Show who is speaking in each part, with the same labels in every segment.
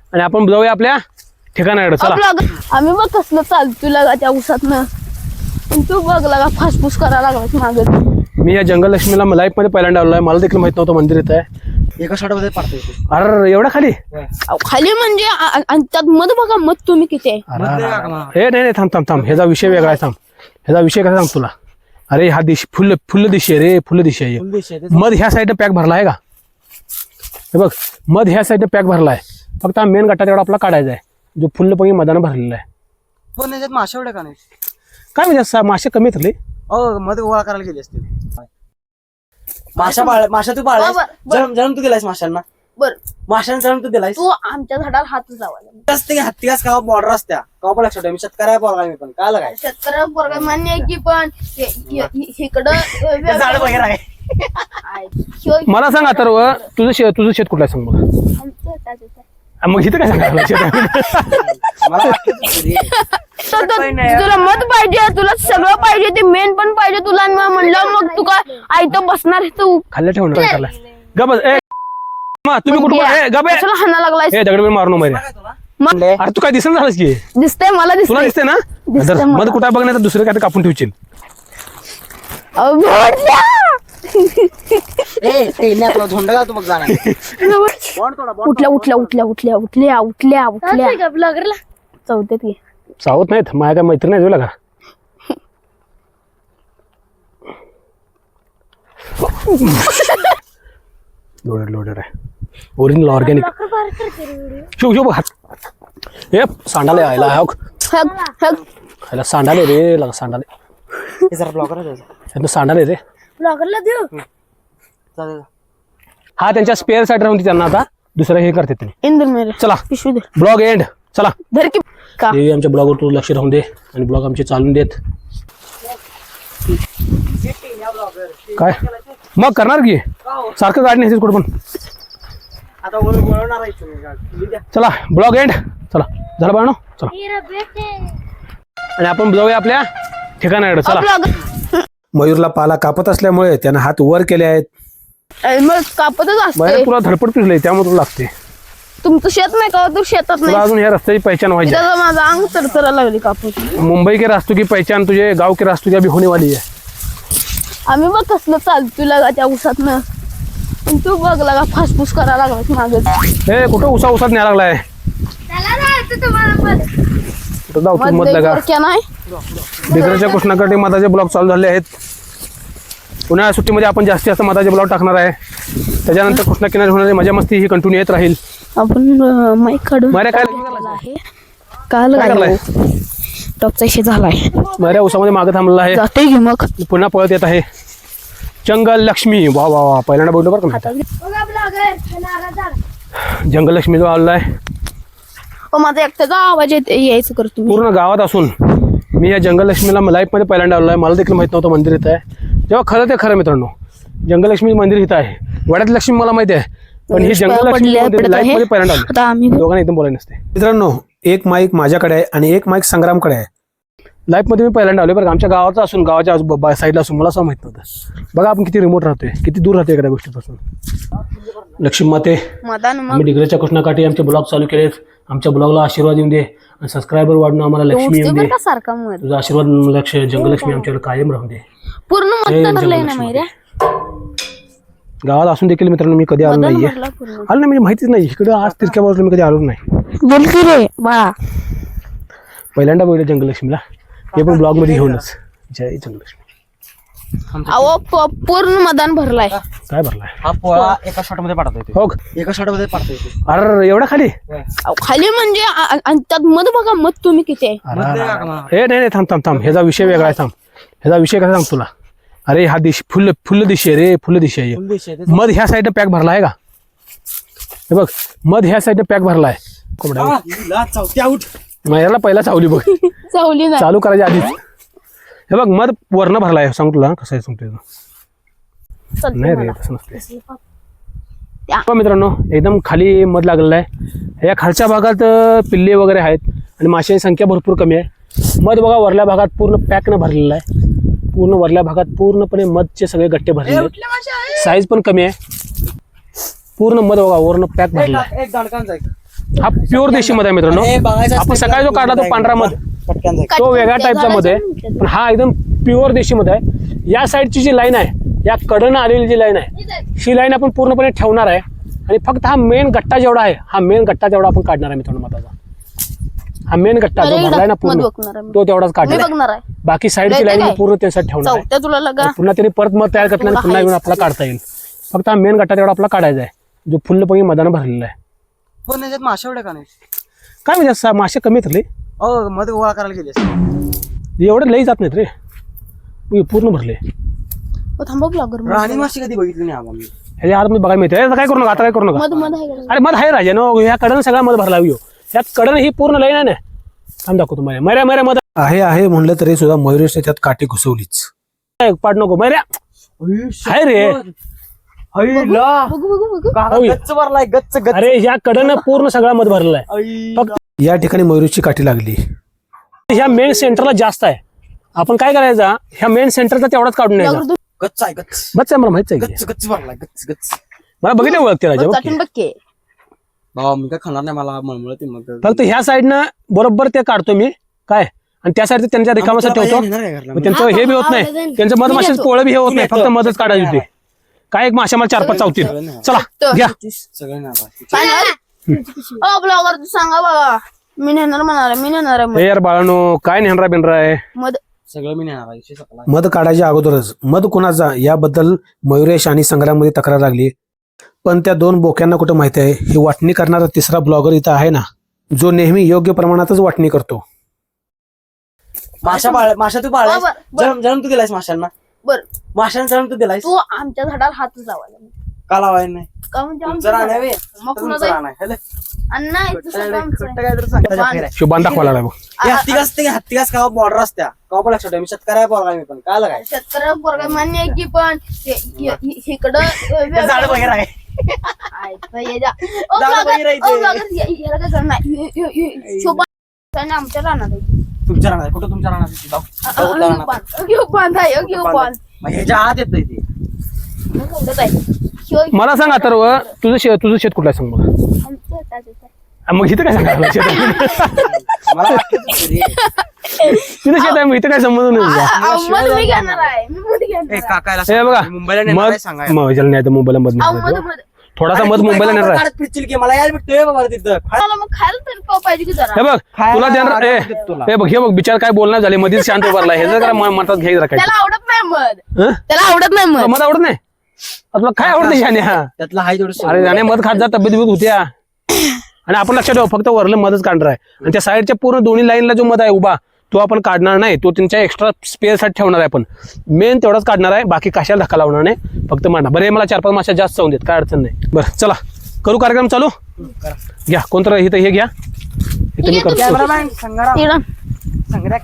Speaker 1: आणि आपण जाऊया आपल्या ठिकाणाकडे. चला.
Speaker 2: आम्ही बघ कसलं चालतो लागा त्या उसातनं. तू बघ लागा फासफूस करायला लागला मागे.
Speaker 1: मी या जंगल लक्ष्मीला लाईफ मध्ये पहिल्यांदा आलोय. मला देखील माहित नव्हतं मंदिर इथं आहे.
Speaker 3: एका शॉटमध्ये पडतोय.
Speaker 1: अरे एवढा खाली
Speaker 2: खाली म्हणजे आणि त्यात मध बघा मध तुम्ही किती आहे.
Speaker 1: हे नाही थांब थांब थांब. ह्याचा विषय वेगळा आहे. थांब ह्याचा विषय कसा सांग तुला. अरे हा दिश फुल्ल दिशी आहे रे. फुल्ल दिशी आहे. मध ह्या साईडनं पॅक भरला आहे का. हे बघ मध ह्या साईडनं पॅक भरला आहे. फक्त हा मेन गट्टा तेवढा आपला काढायचा आहे जो फुल्ल पैकी मधानं भरलेला आहे.
Speaker 3: पण याच्यात माशा एवढ्या का नाही.
Speaker 1: काय म्हणजे मासे कमी येतले.
Speaker 3: मध्ये गोळा करायला गेले असतील. माशा तू पाळलास. जन्म तू दिलायस माशांना.
Speaker 2: बर
Speaker 3: माशांना जन्म तू दिलायस.
Speaker 2: तू आमच्या झाडाला हात लावायला
Speaker 3: असते की हत्ती घास का बॉर्डर असत्या का पण लक्षात ठेव. मी शेतकऱ्या पोरगा मी पण काय लागाय
Speaker 2: शेतकऱ्या पोरगा मान्य आहे की पण इकडं
Speaker 3: झाड वगैरे आहे.
Speaker 1: मला सांग आता तुझं शेत कुठलं आहे सांग मला. मग इथं काय सांगायला
Speaker 2: तुला मत पाहिजे तुला सगळं पाहिजे ते मेन पण पाहिजे तुला. म्हणलं मग तू काय आयतं बसणार तू
Speaker 1: खाल्ल्या ठेवणार गबस. तुम्ही कुठं
Speaker 2: हाना लागलाय
Speaker 1: दगड मारू नको. अरे तू काय दिसत झालंस की.
Speaker 2: दिसतंय मला
Speaker 1: तुला दिसतंय ना. मध कुठं बघ नाही तर दुसरं काय कापून ठेवशील.
Speaker 3: झोंड घालतो बघ जाणार.
Speaker 2: उठल्या उठल्या उठल्या उठल्या उठल्या उठल्या उठल्या ब्लॉगरला चौथ्यात घे.
Speaker 1: सावत नाहीत माझ्या काय मैत्री नाही तुला का. लोडेड आहे ओरिजिनल ऑर्गॅनिक. शिव हात हे सांडाले यायला सांडाले रे लगा सांडाले.
Speaker 3: जरा ब्लॉगर
Speaker 1: सांडाले रे.
Speaker 2: ब्लॉगरला देऊ.
Speaker 1: हा त्यांच्या स्पेअर साईड राहून त्यांना आता दुसरं हे करते तुम्ही.
Speaker 2: इंदूर मेरे
Speaker 1: चला
Speaker 2: पिशवी दे.
Speaker 1: Blog end. चला
Speaker 2: धर की का
Speaker 1: देवी आमच्या ब्लॉगवर तू लक्ष राहून दे आणि ब्लॉग आमचे चालून देत. काय मग करणार की सारखं गाडी नाही कुठं पण. चला ब्लॉग एंड. चला झालं बाळांनो. चला आणि आपण जाऊया आपल्या ठिकाणाकडे. चला. मयूरला पाला कापत असल्यामुळे त्यानं हात वर केले आहेत.
Speaker 2: मग कापतच असते.
Speaker 1: तुला धडपड पिसले त्यामुळे तुला लागते.
Speaker 2: तुमचं शेत नाही का तू शेतात
Speaker 1: तुला
Speaker 2: नाही.
Speaker 1: अजून या रस्त्याची पहचान व्हायची.
Speaker 2: माझं अंग तरतरा लागली कापत.
Speaker 1: मुंबई के रास्तों की पहचान तुझे गाव के रास्तों की अभी होने वाली है.
Speaker 2: आम्ही बघ कसलं चालतो लागा त्या उसातनं. तू बघ लागा फासफूस करायला लागला मागे.
Speaker 1: हे कुठं उसात न्याय लागलाय. कुठं जाऊ तू मत लगा.
Speaker 2: नाही
Speaker 1: डिग्रजच्या कृष्णाकडे मधाचे ब्लॉग चालू झाले आहेत. उन्हाळ्या सुट्टीमध्ये आपण जास्तीत मधाचे ब्लॉग टाकणार आहे. त्याच्यानंतर कृष्णा किनारी होणारी मजा मस्ती ही कंटिन्यू येत राहील.
Speaker 2: आपण माईक काढून
Speaker 1: काय
Speaker 2: काल टॉपचा इशे झालाय.
Speaker 1: माझ्या उसामध्ये मागे थांबलेला आहे.
Speaker 2: जाते की मग
Speaker 1: पुन्हा पळत येत आहे जंगल लक्ष्मी. वा वा वा पहिल्यांदा बोलतो बरं का. जंगल लक्ष्मी जो आलेला आहे.
Speaker 2: माझा एकट्याचा आवाज यायचं करतो.
Speaker 1: पूर्ण गावात असून मी या जंगल लक्ष्मीला लाईफ मध्ये पहिल्यांदा आलो आहे. मला देखील माहित नव्हतं मंदिर इथं आहे. जेव्हा खरं ते खरं मित्रांनो जंगल लक्ष्मी मंदिर इथं आहे. वड्यात लक्ष्मी मला माहिती आहे पण ही जंगल लक्ष्मी लाईफ मध्ये पहिल्यांदा आलो. दोघांना एकदम बोलायला नसते. मित्रांनो एक माईक माझ्याकडे आहे आणि एक माईक संग्रामकडे आहे. लाईफ मध्ये मी पहिल्यांदा आलोय बरं. आमच्या गावाचा असून गावाच्या साईडला असून मला असं माहित नव्हतं. बघा आपण किती रिमोट राहतोय किती दूर राहतोय एखाद्या गोष्टीपासून. लक्ष्मी माते आम्ही डिग्रजच्या कृष्णाकाठी आमचे ब्लॉग चालू केलेत. आमच्या ब्लॉगला आशीर्वाद येऊन दे आणि सबस्क्रायबर वाढणं आम्हाला लक्ष्मी येऊन दे. तुझा आशीर्वाद लक्ष जंगल लक्ष्मी आमच्याकडे कायम राहून दे.
Speaker 2: पूर्ण
Speaker 1: गावात असून देखील मित्रांनो मी कधी आलो नाहीये. आलो नाही म्हणजे माहितीच नाही. इकडे आज तिरक्या बाजूला मी कधी आलो नाही.
Speaker 2: बोल की रे बाळा.
Speaker 1: पहिल्यांदा बघितलं जंगल लक्ष्मीला हे पण ब्लॉग मध्ये घेऊनच. जय जंगल लक्ष्मी.
Speaker 2: अहो पूर्ण मैदान भरलाय.
Speaker 1: काय भरलाय.
Speaker 3: हा पोळा एका शॉटमध्ये पडतोय.
Speaker 1: हो
Speaker 3: एका शॉटमध्ये पडतोय.
Speaker 1: अरे एवढा खाली
Speaker 2: खाली म्हणजे आणि त्यात मध बघा मध तुम्ही किती आहे.
Speaker 1: हे नाही थांब थांब थांब. ह्याचा विषय वेगळा आहे. थांब ह्याचा विषय कसा सांग तुला. अरे हा दिश फुल्ल दिशी आहे रे. फुल्ल दिशी आहे. मध ह्या साईडनं पॅक भरला आहे का. हे बघ मध ह्या साईडनं पॅक भरलाय. याला पहिला चावली बघ.
Speaker 2: चावली ना
Speaker 1: चालू करायच्या आधीच. हे बघ मध वर्ण भरलाय. सांग तुला कसं आहे सांगतोय. नाही रे तसं नसते. मित्रांनो एकदम खाली मध लागलेला आहे. या खालच्या भागात पिल्ले वगैरे आहेत आणि माशांची संख्या भरपूर कमी आहे. मध बघा वरल्या भागात पूर्ण पॅक न भरलेला आहे. पूर्ण वरल्या भागात पूर्णपणे मधचे सगळे गट्टे भरलेले आहेत. साईज पण कमी आहे. पूर्ण मध बघा वरनं पॅक भरला.
Speaker 3: एक दांडकांचा
Speaker 1: हा प्युअर देशी मध आहे मित्रांनो.
Speaker 3: हे बघायचं
Speaker 1: आपण
Speaker 3: असतं
Speaker 1: सकाळी जो काढला तो पांढरा मध
Speaker 3: पटकन जाईल.
Speaker 1: तो वेगळ्या टाईपचा मध आहे, पण हा एकदम प्युअर देशी मध आहे. या साईडची जी लाईन आहे, या कडनं आलेली जी लाईन आहे, ही लाईन आपण पूर्णपणे ठेवणार आहे आणि फक्त हा मेन गट्टा जेवढा आहे, हा मेन गट्टा जेवढा आपण काढणार आहे मित्रांनो मधाचा. हा मेन गट्टा जो भरलाय ना पूर्ण, तो तेवढाच काढणार आहे.
Speaker 2: बघणार आहे
Speaker 1: बाकी साईडची लाईन पूर्ण त्यांच्यासाठी ठेवणार आहे.
Speaker 2: चौथ्या तुला लगा
Speaker 1: आणि पुन्हा त्यांनी परत मध तयार करताना आणि पुन्हा येऊन आपल्याला काढता येईल. फक्त हा मेन गट्टा तेवढा आपला काढायचा आहे, जो फुल्लपैकी मधानं भरलेला आहे.
Speaker 3: पण याच्यात माशा एवढ्या का नाही?
Speaker 1: काय म्हणजे मासे कमी आहेत रे,
Speaker 3: मध्ये गोळा करायला गेले.
Speaker 1: एवढे लई जात नाहीत रे, हे पूर्ण भरले.
Speaker 2: थांबा ब्लॉगर
Speaker 3: राणी माशी कधी बघितली नाही आम्हाला.
Speaker 1: ह्याच्या आत मी बघायला मिळते. आता काय करू नका, आता काय करू नका.
Speaker 2: मध मध आहे का?
Speaker 1: अरे मध आहे राजा नो, ह्या कडनं सगळा मध भरला येऊ. या कडनं ही पूर्ण लाईन आहे ना. थांब दाखवतो तुम्हाला. मर्या मर्या मध आहे म्हणलं तरी सुद्धा मयुरेशने त्यात काठी घुसवलीच. पाड नको मर्या आहे रे.
Speaker 2: बघू बघू बघू
Speaker 3: गच्च भरलाय, गच्च गच्च.
Speaker 1: अरे ह्या कडनं पूर्ण सगळा मध भरलेला आहे. फक्त या ठिकाणी मयुरेशची काठी लागली. ह्या मेन सेंटरला जास्त आहे. आपण काय करायचा, ह्या मेन सेंटरचा तेवढाच काढून न्यायचा.
Speaker 3: गच्च आहे, गच्च
Speaker 1: बस आहे, मला माहित आहे की.
Speaker 3: गच्च गच्च भरलाय, गच्च गच्च.
Speaker 1: मला बघितलं ओळखते राजा बघ की.
Speaker 2: चाटून बघ की.
Speaker 3: बाबा मी काय खाणार नाही, मला मळमळते मग.
Speaker 1: फक्त ह्या साईडनं बरोबर ते काढतो मी काय, आणि त्या साईड त्यांच्या रिकामासाठी ठेवतो. मग त्यांचं हे बी होत नाही, त्यांचं मध माशाचं पोळं बी हे होत नाही, फक्त मधच काढायची होती. काय एक माशा मला 4-5 चावतील. चला घ्या.
Speaker 3: सगळं नाही.
Speaker 2: ब्लॉगर तू सांगा बाबा, मी नेणार म्हणाला, मी नेणार आहे
Speaker 1: हे यार बाळानो, काय नेहरा बिनरा आहे.
Speaker 2: मध.
Speaker 3: सगळं मी नेणार आहे.
Speaker 1: मध काढायच्या अगोदरच मध कोणाचा याबद्दल मयुरेश आणि संग्राममध्ये तक्रार लागली. पण त्या दोन बोक्यांना कुठं माहिती आहे, ही वाटणी करणारा तिसरा ब्लॉगर इथं आहे ना, जो नेहमी योग्य प्रमाणातच वाटणी करतो.
Speaker 3: माशा तू बाळ जन्म तू दिलायस माशांना.
Speaker 2: बर
Speaker 3: माशांना जन्म तू दिलायस.
Speaker 2: तू आमच्या झाडाला हातच लावायला
Speaker 3: का लावायला नाही?
Speaker 2: का म्हणजे
Speaker 3: तुमचं
Speaker 2: आमच्या
Speaker 3: रान आहे बे.
Speaker 2: मग
Speaker 3: तुमचं
Speaker 2: कुणाचं आहे?
Speaker 3: रान आहे. हेले.
Speaker 2: अण्णा इथं सगळं आमचं आहे.
Speaker 3: खोटं काहीतरी सांग. त्याच्या फेर आहे.
Speaker 1: शिवबान दाखवायला लागला बघ.
Speaker 3: हे हत्तीकास का बॉर्डर असत्या का पण लक्षात ठेव. मी शेतकऱ्या पोरगा मी पण काय लागाय
Speaker 2: शेतकऱ्या पोरगा मान्य आहे की, पण इकडं
Speaker 3: झाड वगैरे आहे.
Speaker 2: आमच्या रानात आहे.
Speaker 3: तुमच्या रानात कुठं तुमच्या रानात आहे? कुठल्या रानात?
Speaker 2: घेऊ बांध आहे, घेऊ बांध.
Speaker 3: मग ह्याच्या आत येत ते.
Speaker 2: मग एवढंच आहे.
Speaker 1: मला सांग आता तुझं शेत कुठलं आहे सांग मला.
Speaker 2: आमचं त्याच आहे.
Speaker 1: मग इथं काय सांगायला शेत
Speaker 3: मला वाटलं तसं रे.
Speaker 1: तिथं शेत आहे, मग इथं काय संबंध नाही तुझा.
Speaker 2: मध मी घेणार आहे, मी मध घेणार आहे.
Speaker 3: काकायला
Speaker 1: हे बघा
Speaker 3: मुंबईला नेणार
Speaker 1: मध
Speaker 3: आहे सांगा.
Speaker 1: ह्याला नाही तर मुंबईला मध
Speaker 2: अहो,
Speaker 1: नाही.
Speaker 2: मध मध.
Speaker 1: थोडासा मध मुंबईला नेणार आहे.
Speaker 3: फिरतील की मला यायला भेटतोय बाबा तिथं.
Speaker 2: मला मग खायला तरी पाव पाहिजे की जरा.
Speaker 1: हे बघ तुला देणार हे बघ बिचार काय बोलणार झाले मधीच शांत उभारला. हे जर मनात घ्यायचं काय
Speaker 2: त्याला आवडत नाही मध,
Speaker 1: हं?
Speaker 2: त्याला आवडत नाही मध.
Speaker 1: मध आवडत नाही. तुला काय आवडतं शाने हा.
Speaker 3: त्यातला हाय थोडं.
Speaker 1: अरे जाणे मध खात जा, तब्येत बिब्येत होत्या. आणि आपण लक्षात ठेव, फक्त वरलं मधच काढणार आहे. आणि त्या साईडच्या पूर्ण दोन्ही लाईनला जो मध आहे उभा, तो आपण काढणार नाही. तो त्यांच्या एक्स्ट्रा स्पेअरसाठी ठेवणार आहे. आपण मेन तेवढाच काढणार आहे, बाकी कशाला धक्का लावणार नाही, फक्त मांडा. बरं हे मला 4-5 माशा जास्त जाऊन देत, काय अडचण नाही. बरं चला करू कार्यक्रम चालू. घ्या कोणतं इथं हे घ्या, इथं मी करतो.
Speaker 3: कॅमेरामॅन संग्राम. संग्राम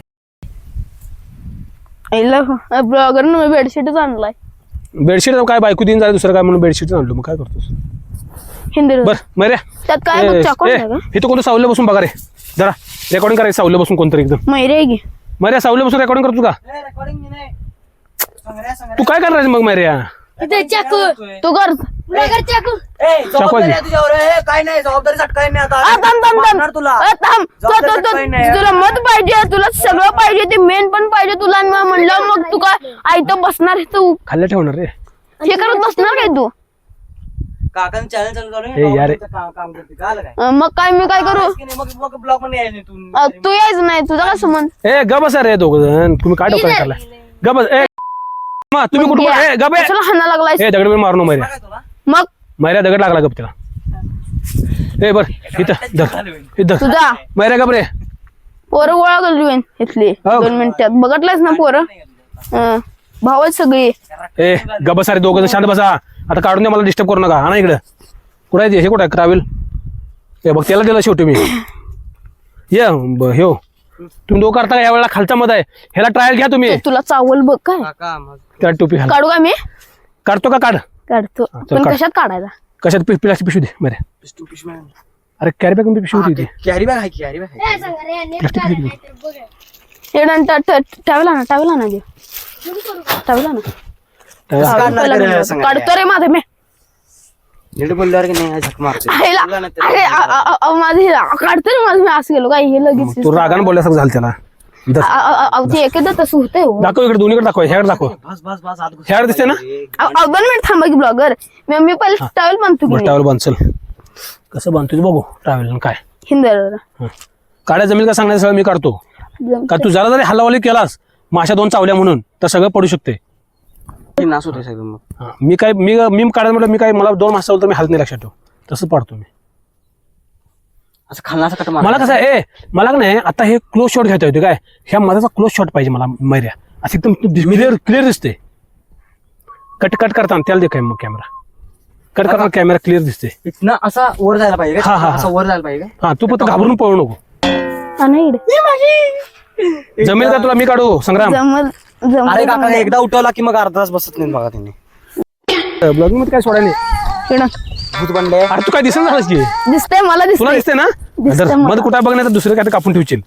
Speaker 2: ब्लॉगर बेडशीटच आणलाय.
Speaker 1: बेडशीट काय बायको दिन झालं, दुसरं काय म्हणून बेडशीट आणलो. मग काय करतोस.
Speaker 2: हिंदी
Speaker 1: बरं मर्या
Speaker 2: त्यात काय बघ, चाकू आहे का?
Speaker 1: इथं कोणतं सावलं बसून बघा रे, जरा रेकॉर्डिंग करायचं. सावलं बसून कोणतरी एकदम
Speaker 2: मैरे आहे की.
Speaker 1: मर्या सावलं बसून रेकॉर्डिंग करतो का
Speaker 3: रेकॉर्डिंग नाही.
Speaker 1: तू? काय करणार आहेस मग मर्या.
Speaker 2: चाकू तू कर चाकू.
Speaker 3: काय नाही जबाबदारी झटकाय नाही आता.
Speaker 2: थांब
Speaker 3: तुला
Speaker 2: तुला मत पाहिजे, तुला सगळं पाहिजे, ते मेन पण पाहिजे तुला. आणि मग म्हणलं मग तू काय आयतं बसणार आहे, तू
Speaker 1: खाल्ल्या ठेवणार रे.
Speaker 2: हे करत बसणार काय तू.
Speaker 3: काकांनी चॅनल चालू
Speaker 1: ए यार.
Speaker 3: काम करते काय
Speaker 2: मग काय मी काय करू.
Speaker 3: मग ब्लॉग पण यायचं तू.
Speaker 2: तू यायचं नाही, तुझा काय संबंध.
Speaker 1: ए गबस रे दोघ जण, तुम्ही काय डोक्याला काढलाय. गबस. ए तुम्ही कुठं ए गबे.
Speaker 2: कशाला हाना लागलाय.
Speaker 1: ए दगड बिड मारू नको मैऱ्या.
Speaker 2: मग
Speaker 1: मैऱ्या दगड लागला गप त्याला. ए बर इथं इथं
Speaker 2: तुझा
Speaker 1: मैऱ्या गप रे.
Speaker 2: पोरं गोळा करली इथली 2 मिनिटात. बघितलंयस ना पोरं, भावच सगळी.
Speaker 1: ए गबस रे दोघ जण, शांत बसा. आता काढून द्या, मला डिस्टर्ब करू नका. हा ना इकडं कुठं आहे हे, कुठं आहे ट्रॅव्हल. हे बघ त्याला दिला शेवटी मी. ये हो तुम्ही दोघं करता या वेळेला खालचा मध आहे, ह्याला ट्रायल घ्या तुम्ही.
Speaker 2: तुला चावल बघ काय.
Speaker 1: त्या टोपी घाल.
Speaker 2: काढू का मी.
Speaker 1: काढतो का काढ.
Speaker 2: काढतो
Speaker 1: चल
Speaker 2: पण
Speaker 1: काढ.
Speaker 2: कशात काढायचा.
Speaker 1: कशात प्लास्टिक पिशवी दे बरे. अरे कॅरी बॅग मध्ये पिशवी होती ती.
Speaker 3: कॅरी बॅग आहे की कॅरी बॅग आहे.
Speaker 1: प्लास्टिक पिशवी दे.
Speaker 2: टावेला ना टावेला ना टावेला ना
Speaker 1: त्याला-
Speaker 2: काढतो रे माझे मी.
Speaker 3: नीट बोलल्यावर की नाही झक मारते
Speaker 2: आईला
Speaker 3: तुला नाही तर
Speaker 2: अरे माझं हे काढतं रे माझं मी असं गेलो काय हे लगेच
Speaker 1: तू रागानं बोलल्यासारखं झालं त्याला इथं
Speaker 2: ते एकदा तसं होतंय हो.
Speaker 1: दाखव इकडे दोन्हीकडे दाखव ह्याकडे दाखव
Speaker 3: बस बस बस आत घुस.
Speaker 1: ह्याकडे दिसते ना
Speaker 2: 2 मिनिट थांबा की ब्लॉगर मी पहिले टावेल बांधतो की
Speaker 1: ट्रॅव्हल बांध चल कसं बांधतो बघू ट्रॅव्हल काय
Speaker 2: हिंदर
Speaker 1: काड्या जमीन का सांगण्याचं सगळं मी काढतो का तू जरा जरी हल्लावाली केलास माशा 2 चावल्या म्हणून तर सगळं पडू शकते
Speaker 3: की नास होते सगळं मग
Speaker 1: हा, मी काढायला म्हटलं मी काय मला 2 मासा चावलं तर मी हात नाही लक्षात ठेव तसं पाडतो मी
Speaker 3: असं खालना असं कट मार
Speaker 1: मला कसं आहे मला का नाही आता हे क्लोज शॉट घेता येते काय ह्या मधाचा क्लोज शॉट पाहिजे मला मैऱ्या असं एकदम क्लिअर दिसते कट करताना त्याला दे काय मग कॅमेरा कट करताना कॅमेरा क्लिअर दिसते
Speaker 3: इथनं असा वर जायला पाहिजे
Speaker 1: हा, हा,
Speaker 3: का? असं वर जायला पाहिजे
Speaker 1: हा तू फक्त घाबरून पळू नको जमेल का तुला मी काढू संग्राम
Speaker 2: जमल
Speaker 3: का?
Speaker 2: जमल
Speaker 3: अरे काका एकदा उठवला की मग अर्धा तास बसत नाही बघा त्यांनी
Speaker 1: ब्लॉगिंग मध्ये काय सोडायला नाही.
Speaker 3: भूत बनले
Speaker 1: अरे तू काय दिसत झालंस की
Speaker 2: दिसतंय मला
Speaker 1: तुला
Speaker 2: दिसतंय
Speaker 1: दिसते ना
Speaker 2: दिसतंय
Speaker 1: जर
Speaker 2: मला.
Speaker 1: मध कुठं बघ नाही तर दुसरं काय ते कापून ठेवशील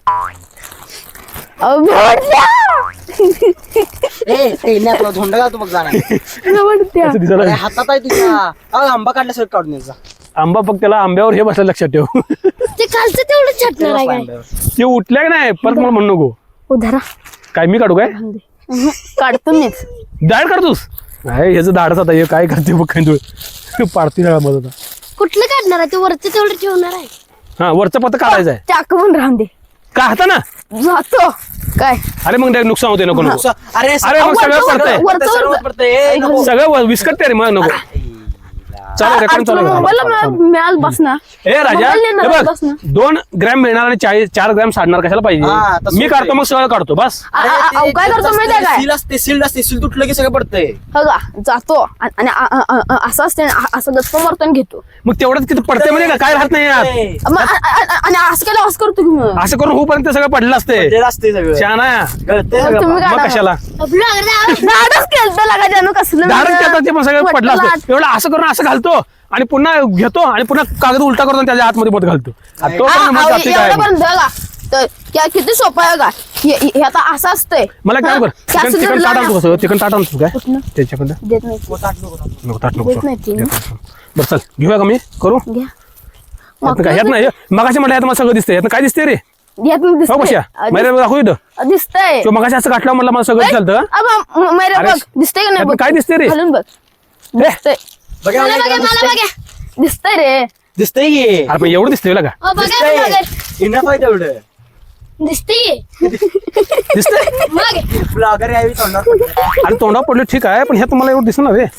Speaker 3: तुला झोंड घालतो मग जाणार
Speaker 1: असं दिसायला
Speaker 3: अरे
Speaker 1: लागलं.
Speaker 3: हातात आहे तुझ्या आंबा काढल्यासर काढून यायचा
Speaker 1: आंबा फक्त त्याला आंब्यावर हे बसलं लक्षात ठेव
Speaker 2: ते खालचं तेवढं छाटणार आहे काय
Speaker 1: ते उठल्या की नाही परत मला म्हणू नको
Speaker 2: उधारा
Speaker 1: काय मी काढू काय
Speaker 2: काढतो मीच
Speaker 1: दाढ काढतोस नाही ह्याचं दाढच आता हे काय करते बघ काय तू पाडती ना मध आता
Speaker 2: कुठलं काढणार आहे ते वरचं तेवढं ठेवणार आहे
Speaker 1: हा वरचं पत्ता काढायचं आहे
Speaker 2: चाक पण राहून दे
Speaker 1: का हाता ना
Speaker 2: जातो काय
Speaker 1: अरे मग direct नुकसान होते नको नको
Speaker 3: अरे
Speaker 1: अरे मग सगळं पडतंय
Speaker 2: वरचं वरचं
Speaker 1: सगळं विस्कटते रे मग नको चालू रेकॉर्ड चालू आहे.
Speaker 2: मोबाईलला मिळाल बस ना
Speaker 1: ए राजा
Speaker 2: मोबाईल नेणार
Speaker 1: हे
Speaker 2: बस ना.
Speaker 1: बघ 2 ग्रॅम मिळणार आणि 4 ग्रॅम साडणार कशाला
Speaker 3: हा,
Speaker 1: पाहिजे
Speaker 3: तसं
Speaker 1: मी
Speaker 3: होतंय.
Speaker 1: काढतो मग सगळं काढतो बस
Speaker 2: काय करतो माहिती आहे काय
Speaker 3: सील असते सील तुटलं की सगळं पडतंय
Speaker 2: बघा जातो आणि असं असते असं गप्पा मारतो आणि घेतो
Speaker 1: मग तेवढंच किती पडते म्हणजे काय राहत नाही यात
Speaker 2: आणि असं केलं असं करतो की मग
Speaker 1: असं करून होऊपर्यंत सगळं पडलं असते
Speaker 3: पडलेलं असते सगळं
Speaker 1: छान आहे
Speaker 3: गळतंय
Speaker 2: मग
Speaker 3: सगळं
Speaker 2: तुम्ही
Speaker 1: मग
Speaker 2: काढा.
Speaker 1: कशाला
Speaker 2: नाटक केलं लागा जानू कसलं
Speaker 1: धारण करतात ते पण सगळं पडलं
Speaker 2: वटलाट.
Speaker 1: असतं एवढं असं करून असं घालतो आणि पुन्हा घेतो आणि पुन्हा कागद उलटा करतो आणि त्याच्या आतमध्ये मध घालतो आणि तो पण मग जाती काय
Speaker 2: एवढं पण बघा तर किती सोपं आहे का हे आता असं असतंय
Speaker 1: मला काय कर चिकन ताट आणतो कसं चिकन ताट आणतो काय
Speaker 2: कुठलं?
Speaker 1: त्याच्याकडं
Speaker 2: देत नाही
Speaker 1: नको ताट नको
Speaker 2: देत नाही ती.
Speaker 1: बरं चल घेऊया का मी करू
Speaker 2: घ्या
Speaker 1: यातनं काय ह्यात नाही मगाशी म्हटलं यात मला सगळं दिसतंय यातनं काय दिसतंय रे
Speaker 2: यात
Speaker 1: हो
Speaker 2: दिसतंय.
Speaker 1: कशा मैरे दाखवू इथं
Speaker 2: दिसतंय
Speaker 1: तो मगाशी असं काटलं म्हणलं मला सगळं चालतं
Speaker 2: मैरे
Speaker 1: अरे,
Speaker 2: बघ दिसतंय का नाही
Speaker 1: यातनं
Speaker 2: बघ
Speaker 1: काय दिसतंय रे?
Speaker 2: घालून बघ दिसतंय
Speaker 3: बघा,
Speaker 2: मला
Speaker 3: बघा,
Speaker 2: बघा, मला बघा. दिसतंय रे
Speaker 3: दिसतंय की
Speaker 1: अरे पण एवढं दिसतंय का
Speaker 3: दिसतंय इनफ आहे तेवढं
Speaker 2: दिसतंय
Speaker 1: दिसतंय
Speaker 3: ब्लॉगर यावी तोंडावर
Speaker 1: अरे तोंडावर पडलं ठीक आहे पण ह्यात मला एवढं दिसणार रे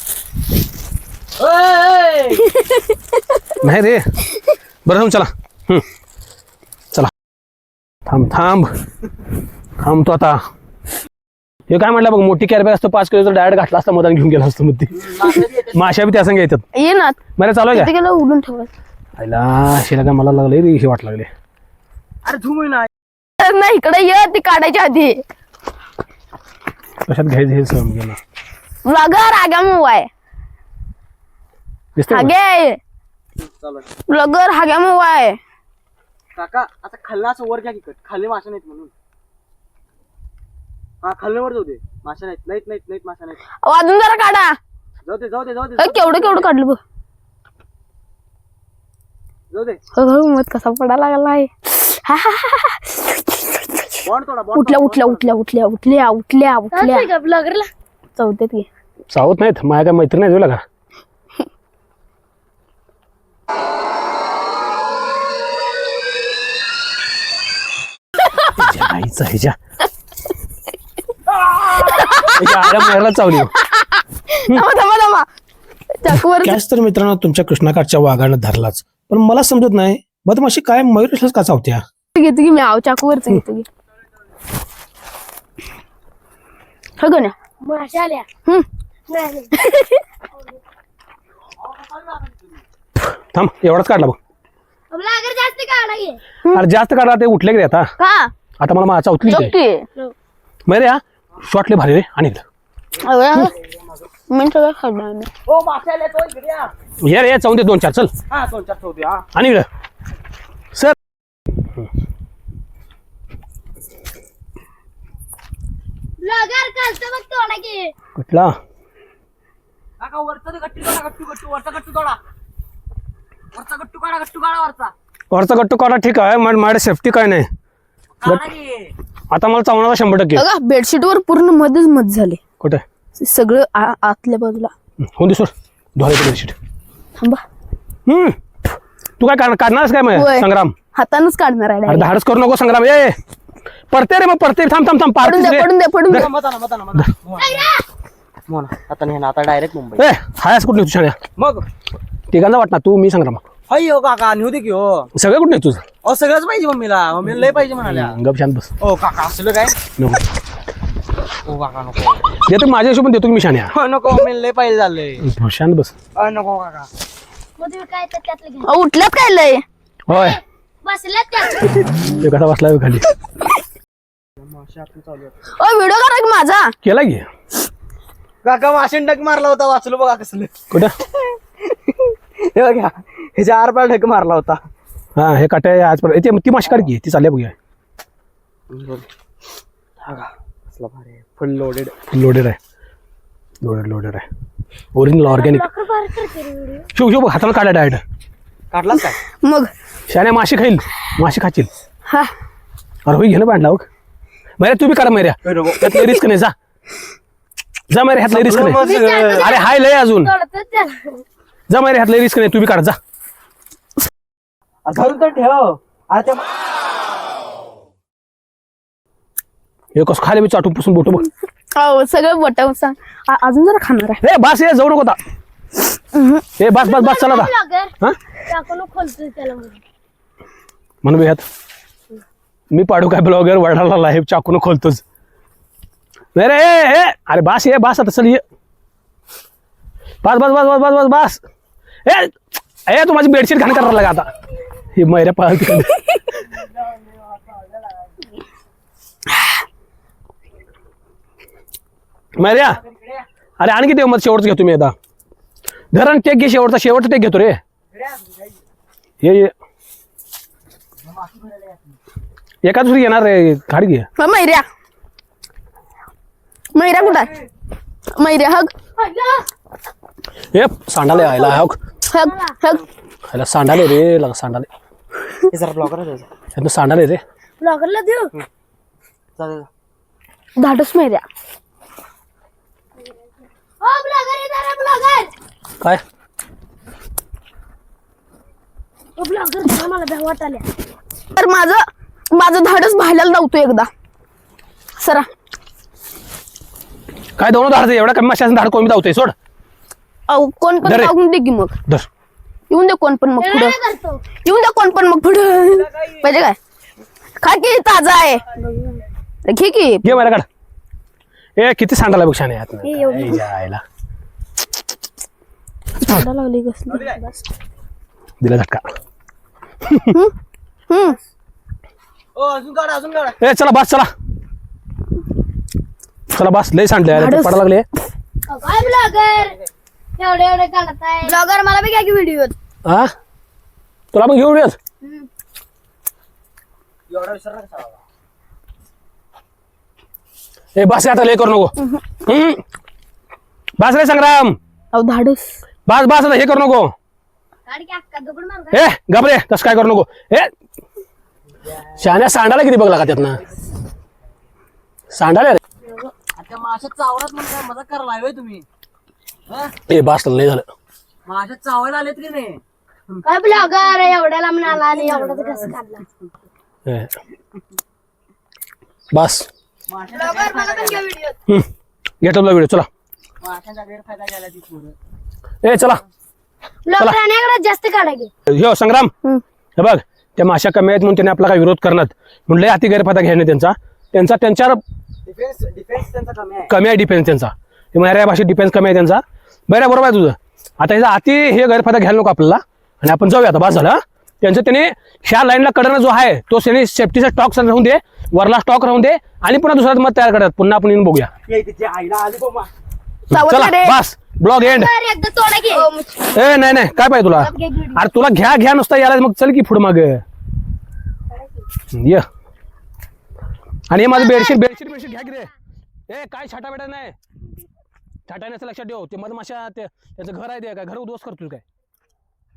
Speaker 3: ओय!
Speaker 1: नाही रे बरं जाऊन चला चला थांबतो आता हे काय म्हटलं बघ मोठी कॅरबॅग असतो 5 किलोचा डायरेक्ट घातला असता मधान घेऊन गेला असतो मग ती माश्या बी त्या संग येतात
Speaker 2: ये ना
Speaker 1: मला चालू आहे
Speaker 2: तिथे गेलं उडून ठेवत
Speaker 1: आईला शिला काय मला लागले रे हे वाट लागले
Speaker 3: अरे झुम ना
Speaker 2: नाही इकडे ये ती काढायच्या आधी
Speaker 1: कशात घ्यायचं हे समज गेलं
Speaker 2: ब्लॉगर आगा मोबाय
Speaker 1: दिसतंय का?
Speaker 2: हागे
Speaker 3: चालू
Speaker 2: ब्लॉगर हाग्या मोबाय
Speaker 3: काका आता खाल्ला असं वर घ्या की खाल्ले माशा नाहीत म्हणून हा खाल्ले वर जाऊ दे माशा नाहीत माशा नाहीत
Speaker 2: अजून जरा काढा
Speaker 3: जाऊ दे
Speaker 2: केवढं काढलं बघ
Speaker 3: जाऊ दे
Speaker 2: मत कसा पडा लागला आहे
Speaker 3: बॉन्ड थोडा
Speaker 2: उठल्या ब्लॉगरला चौथ्यात घे
Speaker 1: चावत नाहीत माझ्या काय मैत्री नाही तुला का आईचा ह्याच्या मारायला चावली
Speaker 2: थांबा चाकूवर
Speaker 1: कॅच तर मित्रांनो तुमच्या कृष्णाकाठच्या वाघानं धरलाच पण मला समजत नाही मधमाशी काय मयूर का चावत्या
Speaker 2: घेतो की मी आव चाकूवरच घेतो की हो ना माशा आल्या
Speaker 1: थांब एवढाच काढला बघ
Speaker 2: जास्त काढा
Speaker 1: अरे जास्त काढला ते उठले की आता
Speaker 2: का
Speaker 1: आता मला चावतली मरे या शॉटले भारी रे आणि
Speaker 2: मी सगळं खाणार
Speaker 3: ओ माशा आल्या तो इकडे या.
Speaker 1: ये रे चावून दे 2-4 चल
Speaker 3: हा 2-4 ठेवते हा
Speaker 1: आणि इकडं सर
Speaker 2: ब्लॉगर कालचं बघ तोडा की
Speaker 1: कुठला
Speaker 3: काका वरचा गट्टी तोडा वरचा गट्टू तोडा वरचा गट्टू काढा वरचा
Speaker 1: वरचा गट्टू काढा ठीक आहे माझ्या सेफ्टी काय नाही
Speaker 3: काढा की.
Speaker 1: आता मला चावणार 100%.
Speaker 2: बघा बेडशीट वर पूर्ण मध्येच मध झाले
Speaker 1: कुठे
Speaker 2: सगळं आतल्या बाजूला.
Speaker 1: होऊन दे सोड धुवायचं बेडशीट.
Speaker 2: थांबा
Speaker 1: तू काय काढणारच काय मग
Speaker 2: होय.
Speaker 1: संग्राम?
Speaker 2: हातानच काढणार आहे
Speaker 1: अरे
Speaker 2: direct.
Speaker 1: धाडस करू नको संग्राम. ए पडते रे मग पडते. थांब थांब थांब
Speaker 2: पडून दे पडून दे पडून दे.
Speaker 3: मोना आता नाही ना आता डायरेक्ट मुंबई.
Speaker 1: ए हायस कुठे तू शाण्या?
Speaker 3: मग
Speaker 1: तिघांचा वाटणार तू मी संग्राम.
Speaker 3: हो काका नेऊ दे की हो.
Speaker 1: सगळं कुठे तुझं?
Speaker 3: अहो सगळंच पाहिजे मम्मीला लय पाहिजे म्हणाल्या.
Speaker 1: गप शांत बस.
Speaker 3: ओ काका असलं काय
Speaker 1: नको
Speaker 3: ओ काका नको
Speaker 1: देतो माझ्या हिशोबाने देतो की मी शाण्या.
Speaker 3: हो, नको मम्मीला लय पाहिजे झालंय.
Speaker 1: शांत बस.
Speaker 3: नको काका
Speaker 2: उठल्यात काय लय
Speaker 1: होय
Speaker 4: बसल्यात
Speaker 1: ते कसा बसलाय खाली
Speaker 2: व्हिडिओ करा की माझा.
Speaker 1: केला की
Speaker 3: काका माशीन डक मारला होता वाचलो बघा कसलं.
Speaker 1: कुठं?
Speaker 3: हे बघा ह्याच्या आरपार ढक मारला होता.
Speaker 1: हा हे काटे आजपर्यंत ती माशी काढ की ती चालल्या बघूया.
Speaker 3: फुल लोडेड
Speaker 1: लोडेड आहे ओरिजिनल ऑर्गॅनिक. शिव शिव हाताला काढा डायरेक्ट.
Speaker 3: काढलाच काय
Speaker 2: मग
Speaker 1: शाण्या माशी खाईल माशी खाशील.
Speaker 2: हा
Speaker 1: अरे होई घे ना पांडला बघ मैऱ्या तू बी काढ मैऱ्या. त्यातलं रिस्क नाही जा मैऱ्या ह्यातलं रिस्क नाही. अरे हाय लय अजून जा मैऱ्या ह्यातलं रिस्क नाही तू बी काढ जा.
Speaker 3: धरून तर ठेव. आता
Speaker 1: हे कसं खाली बी चाटून पुसून बोटू बघ.
Speaker 2: हो सगळं बटाव सांग अजून जरा खाणार आहे.
Speaker 1: ए बास ये जाऊ नको आता. ए बस बस बस चला आता. हा
Speaker 4: टाकून खोलतोय त्याला
Speaker 1: म्हणून ह्यात मी पाडू काय ब्लॉगर वडाला लाईव्ह चाकून खोलतोच. नाही रे ए अरे बास ये बास आता चल ये. बस बस बस बस बस बस बस. ए तू माझी बेडशीट घाण करायला लागा आता. ही मैऱ्या पाळती मैऱ्या. अरे आणखी ते मग शेवटचं घेतो मी आता. धरण टेक घे शेवटचा टेक घेतो रे. ये एका दुसरी येणार रे खाडी घे.
Speaker 2: मैऱ्या कुठं आहे? मैऱ्या हग
Speaker 1: हे सांडाले आयला हग
Speaker 2: हग हग
Speaker 1: आयला सांडाले रे लगा सांडाले.
Speaker 3: हे जरा ब्लॉगर
Speaker 1: ह्यातनं सांडाले रे.
Speaker 4: ब्लॉगरला देऊ
Speaker 3: चालेल.
Speaker 2: धाडस मैऱ्या.
Speaker 4: हो ब्लॉगर
Speaker 1: काय
Speaker 4: ब्लॉगर मला भ्या वाटाल्या.
Speaker 2: तर माझं धाडस भायला लावतो एकदा सरा.
Speaker 1: काय दोन धाडचं एवढा कमी माशाचं धाड कोण धावतोय सोड.
Speaker 2: कोण पण
Speaker 1: धर रे.
Speaker 2: टाकून दे की मग.
Speaker 1: धर
Speaker 2: येऊन दे कोण पण मग पुढं.
Speaker 4: करतो
Speaker 2: येऊन दे कोण पण मग पुढं. पाहिजे काय खा की ताजा आहे घे की.
Speaker 1: घे मला काढ. ए किती सांडाला बघ शाने यात आयला
Speaker 2: लागली कसली.
Speaker 1: दिला झटका.
Speaker 3: ओ अजून काढा
Speaker 1: ए चला बस चला चला बस लय सांडले
Speaker 2: धाडस.
Speaker 1: पडा लागले.
Speaker 4: काय ब्लॉगर एवढे काढत आहे ब्लॉगर मला बी काय की व्हिडिओ
Speaker 1: हा तुला पण घेऊन येत.
Speaker 3: एवढा विसर नका.
Speaker 1: ए बस आता लय करू नको. बस रे संग्राम
Speaker 2: अहो धाडस
Speaker 1: बस बस आता हे करू नको.
Speaker 4: काढ की अक्का दगड मार
Speaker 1: ए घाबरे तसं काय करू नको. ए शाण्या सांडाला किती बघ लागा त्यातनं सांडाले रे.
Speaker 3: आता माशात चावरात म्हणून काय मजा करायला हवे तुम्ही.
Speaker 1: ए बस लय झालं.
Speaker 3: माशात चावायला आलेत की नाही.
Speaker 4: काय ब्लॉगर एवढ्याला म्हणाला आणि एवढा कसं काढला.
Speaker 1: ए. बस
Speaker 4: ब्लॉगर मला पण घ्या व्हिडिओ
Speaker 1: घेतो व्हिडिओ चला.
Speaker 3: माशाचा गैरफायदा घ्यायला ती पोरं.
Speaker 1: ए चला
Speaker 4: ब्लॉगर आणि जास्त काढा की
Speaker 1: हो संग्राम हे बघ त्या माशा कमी आहेत म्हणून त्याने आपला काही विरोध करणार म्हणलं अति गैरफायदा घेणे त्यांच्यावर
Speaker 3: डिफेन्स त्यांचा कमी आहे.
Speaker 1: कमी आहे डिफेन्स त्यांचा. मराठी भाषेत डिफेन्स कमी आहे त्यांचा. बरोबर आहे तुझं. आता ह्याचा अति हे गैरफायदा घ्यायला नको आपल्याला आणि आपण जाऊया आता बस झालं. त्यांचं त्याने ह्या लाईनला कडनं जो आहे तो त्याने सेफ्टीचा स्टॉक राहून दे वरला स्टॉक राहून दे आणि पुन्हा दुसरा मत तयार करतात पुन्हा आपण येऊन बघूया.
Speaker 3: ये तिच्या आईला आली बघ मा.
Speaker 1: चला बस ब्लॉग एंड.
Speaker 4: एकदा तोडा की
Speaker 1: ए नाही काय पाहिजे तुला अरे तुला घ्या नुसता यायला मग चल की पुढं माग ये. आणि हे माझं बेडशीट घ्या की रे. ए काय छाटा बेटा नाही छाटा नसतं लक्षात ठेव. ते मधमाशा त्याचं घर आहे ते काय घर उद्ध्वस्त करतोय काय.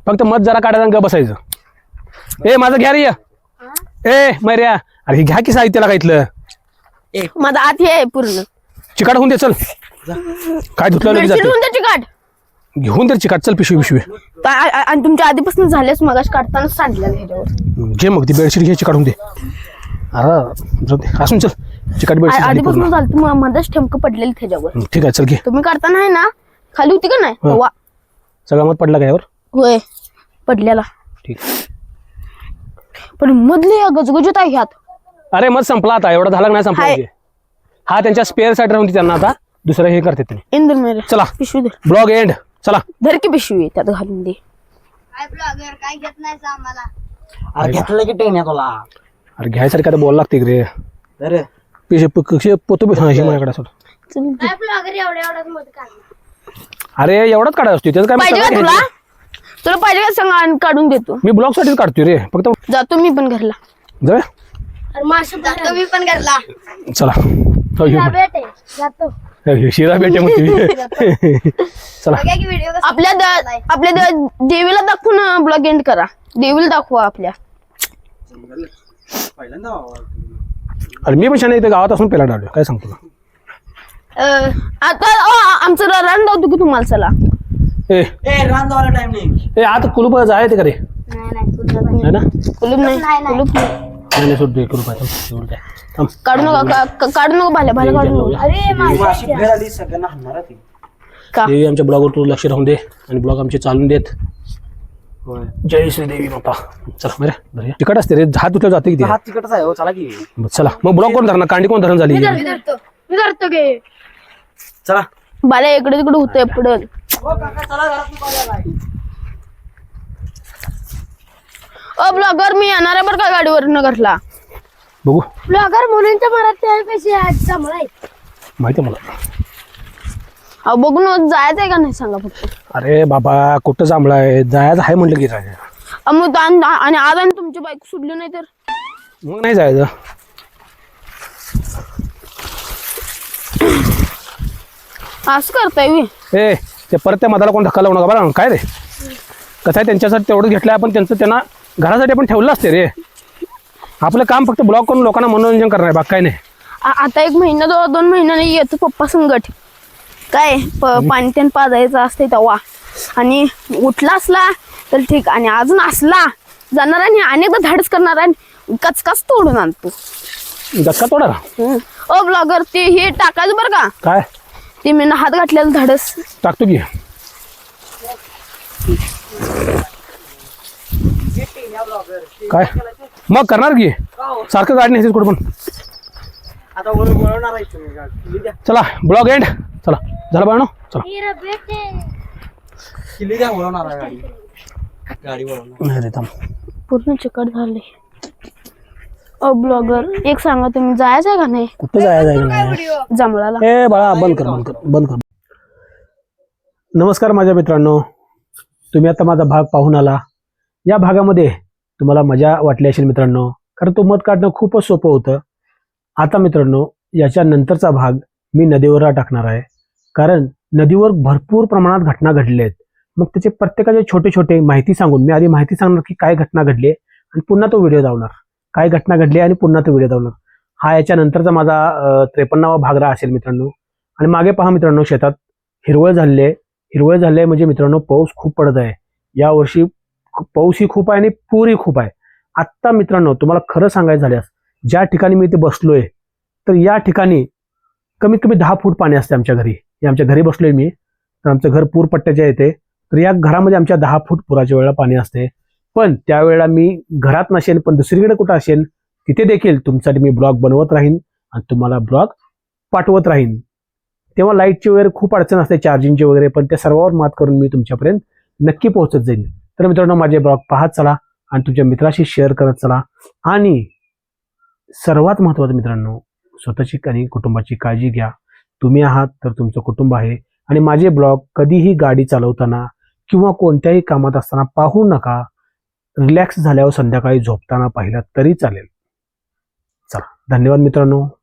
Speaker 1: फक्त मत जरा काढायला आणि ग बसायचं. ए माझं घ्या रे ए मैर्या, अरे हे घ्या की साहित्याला काय इथलं
Speaker 2: माझा आत हे आहे पूर्ण
Speaker 1: चिकाट होऊन दे. चल काय धुतलं लगेच
Speaker 2: बेडशीट
Speaker 1: जाते.
Speaker 2: होऊन द्या चिकाट.
Speaker 1: घेऊन दे चिकाट. चल पिशवी
Speaker 2: आणि तुमच्या आधीपासून झालेच मगाशी काढताना सांडलेलं ह्याच्यावर.
Speaker 1: घे मग ती बेडशीट घे चिकाट होऊन दे. अरे जाऊ दे. असून चल चिकाट बेडशीट झाली
Speaker 2: आधीपासून
Speaker 1: पूर्ण.
Speaker 2: झालं तुम्हाला मध्येच ठेमकं पडलेलं त्याच्यावर.
Speaker 1: ठीक आहे चल घे.
Speaker 2: तुम्ही काढताना आहे ना खाली होती का नाही तेव्हा
Speaker 1: सगळा मत पडला का यावर?
Speaker 2: होय पडलेला.
Speaker 1: ठीक.
Speaker 2: पण मधले गजगजत आहे ह्यात.
Speaker 1: अरे मत संपला आता. एवढा झाला का नाही संपला
Speaker 2: हाय.
Speaker 1: म्हणजे? हा त्यांच्या स्पेअर साठी राहून त्यांना आता दुसरं हे करते त्यांनी.
Speaker 2: इंदूर मेरे
Speaker 1: चला
Speaker 2: पिशवी धर.
Speaker 1: Blog end. चला
Speaker 2: धर की पिशवी त्यात घालून दे.
Speaker 4: काय ब्लॉगर काय घेत नाही आम्हाला.
Speaker 3: अरे घेतलं की टेन तुला.
Speaker 1: अरे घ्यायसारखं आता बोलायला लागते रे.
Speaker 3: अरे
Speaker 1: पिशे पोतो बी माझ्याकडे सोड.
Speaker 4: काय ब्लॉगर एवढ्याच मत काढला.
Speaker 1: अरे एवढाच काढायला असतो त्याचं काय
Speaker 2: पाहिजे का
Speaker 1: मग
Speaker 2: तुला
Speaker 1: घ्यायचं?
Speaker 2: तुला पाहिजे का सांग आणि काढून देतो.
Speaker 1: मी ब्लॉग साठीच काढतोय रे फक्त.
Speaker 2: जातो मी पण घरला.
Speaker 1: जाऊया
Speaker 4: अरे मासे जातो मी पण घरला.
Speaker 1: चला. हो, ये.
Speaker 4: भेटे जातो.
Speaker 1: हे शिरा भेटे मग तुम्ही. चला
Speaker 4: बघा की व्हिडिओ
Speaker 2: आपल्या देवीला दाखवून ब्लॉग एंड करा. देवीला दाखवा आपल्या.
Speaker 3: पहिल्यांदा
Speaker 1: अरे मी पण शाने इथे गावात असून पेला डावलो काय सांगतो तुला.
Speaker 2: आता आमचं रान दावतो की तुम्हाला. चला
Speaker 1: ए
Speaker 3: रान जायला टाइम नाही.
Speaker 1: ए आता कुलूप जायचं का रे?
Speaker 4: नाही
Speaker 1: है ना?
Speaker 2: कुलूप नाही कुलूप नाही.
Speaker 1: नाही सोड दे कुलूप आहे. एवढं काय. थांब.
Speaker 2: काढू नका काढू नका भाल्या भाल्या काढू नका.
Speaker 4: अरे
Speaker 3: माशी फेर आली सगळ्यांना हाणणार ती.
Speaker 2: का
Speaker 1: देवी आमच्या ब्लॉगवर तू लक्ष राहून दे आणि ब्लॉग आमचे चालून देत. जय श्री देवी माता. चला बरे तिकट असते रे. हात तुटलं जाते किती.
Speaker 3: हात तिकडच आहे हो. चला की
Speaker 1: चला मग ब्लॉग कोण धरणार? कांडी कोण धरण झाली?
Speaker 4: मी धरतो गे.
Speaker 3: चला.
Speaker 2: भाल्या इकडे तिकडे होतंय पडल. ब्लॉगर मी येणार आहे बरं का गाडीवरनं घरला.
Speaker 1: बघू
Speaker 4: ब्लॉगर मुलींच्या मरात त्यापेक्षा चांगला आहे.
Speaker 1: माहिती आहे मला.
Speaker 2: अहो बघून जायचं आहे का नाही सांगा फक्त.
Speaker 1: अरे बाबा कुठं जांभळाय जायचं आहे म्हटलं की जायचं.
Speaker 2: मग आणि आज आणि तुमची बाईक सुटली नाही तर
Speaker 1: मग नाही जायचं.
Speaker 2: असं करताय मी.
Speaker 1: ए ते परत त्या मधाला कोण धक्का लावू नका बरं. काय रे कसं आहे त्यांच्यासाठी तेवढं घेतलंय आपण. त्यांचं त्यांना घरासाठी आपण ठेवलं असते रे. आपलं काम फक्त ब्लॉग करून लोकांना मनोरंजन करणार आहे. बाकी काय नाही.
Speaker 2: आता 1 महिना 2 महिन्याने येतो पप्पा संगट. काय पाणी त्यान पाजायचं असते तेव्हा. आणि उठला असला तर ठीक. आणि अजून असला जाणार आणि अनेकदा धाडस करणार आणि कचकच तोडून आणतो.
Speaker 1: धक्का तोडा ना.
Speaker 2: ब्लॉगर ते हे टाकायचं बरं का.
Speaker 1: काय
Speaker 2: ते मी हात घातलेलं धाडस
Speaker 1: टाकतो की. काय मग करणार की सारखं गाडी नाही कुठं पण.
Speaker 3: आता वळवणार आहे तुम्ही गाडी. द्या
Speaker 1: चला ब्लॉग एंड. चला झालं बाळांनो. चला
Speaker 3: किल्ली द्या. वळवणार आहे गाडी. गाडी वळवणार.
Speaker 1: नाही रे थांब.
Speaker 2: पूर्ण चिकट झाले. ब्लॉगर एक सांगा तुम्ही जायचं आहे का नाही
Speaker 1: कुठं जायचं नाही.
Speaker 2: जांभळाला.
Speaker 1: ए बाळा बंद कर बंद कर बंद कर. नमस्कार माझ्या मित्रांनो. तुम्ही आता माझा भाग पाहून आला. या भागामध्ये तुम्हाला मजा वाटली असेल मित्रांनो. कारण तो मत काढणं खूपच सोपं होतं. आता मित्रांनो याच्या नंतरचा भाग मी नदीवर टाकणार आहे. कारण नदीवर भरपूर प्रमाणात घटना घडल्या आहेत. मग त्याचे प्रत्येकाचे छोटे छोटे माहिती सांगून मी आधी माहिती सांगणार की काय घटना घडली आणि पुन्हा तो व्हिडिओ धावणार. काय घटना घडली आणि पुन्हा तो व्हिडिओ धावणार. हा याच्या नंतरचा माझा 53वा भाग असेल मित्रांनो. आणि मागे पहा मित्रांनो शेतात हिरवळ झालेली आहे. हिरवळ झाली आहे म्हणजे मित्रांनो पाऊस खूप पडत आहे. यावर्षी पाऊसही खूप आहे आणि पूरही खूप आहे. आत्ता मित्रांनो तुम्हाला खरं सांगायचं झाल्यास ज्या ठिकाणी मी इथे बसलोय तर या ठिकाणी कमीत कमी 10 फूट पाणी असते आमच्या घरी. आमच्या घरी बसलोय मी. तर आमचं घर पूर पट्ट्याच्या येते. तर या घरामध्ये आमच्या 10 फूट पुराच्या वेळेला पाणी असते. पण त्यावेळेला मी घरात नसेन पण दुसरीकडे कुठं असेल तिथे देखील तुमच्यासाठी मी ब्लॉग बनवत राहीन आणि तुम्हाला ब्लॉग पाठवत राहीन. तेव्हा लाईटची वगैरे खूप अडचण असते चार्जिंगची वगैरे. पण त्या सर्वावर मात करून मी तुमच्यापर्यंत नक्की पोहोचत जाईल. तर मित्रांनो माझे ब्लॉग पाहत चला आणि तुमच्या मित्राशी शेअर करत चला. आणि सर्वात महत्त्वाचं मित्रांनो स्वतःची आणि कुटुंबाची काळजी घ्या. तुम्ही आहात तर तुमचं कुटुंब आहे. आणि माझे ब्लॉग कधीही गाडी चालवताना किंवा कोणत्याही कामात असताना पाहू नका. रिलॅक्स झाल्यावर संध्याकाळी झोपताना पाहिला तरी चालेल. चला धन्यवाद मित्रांनो.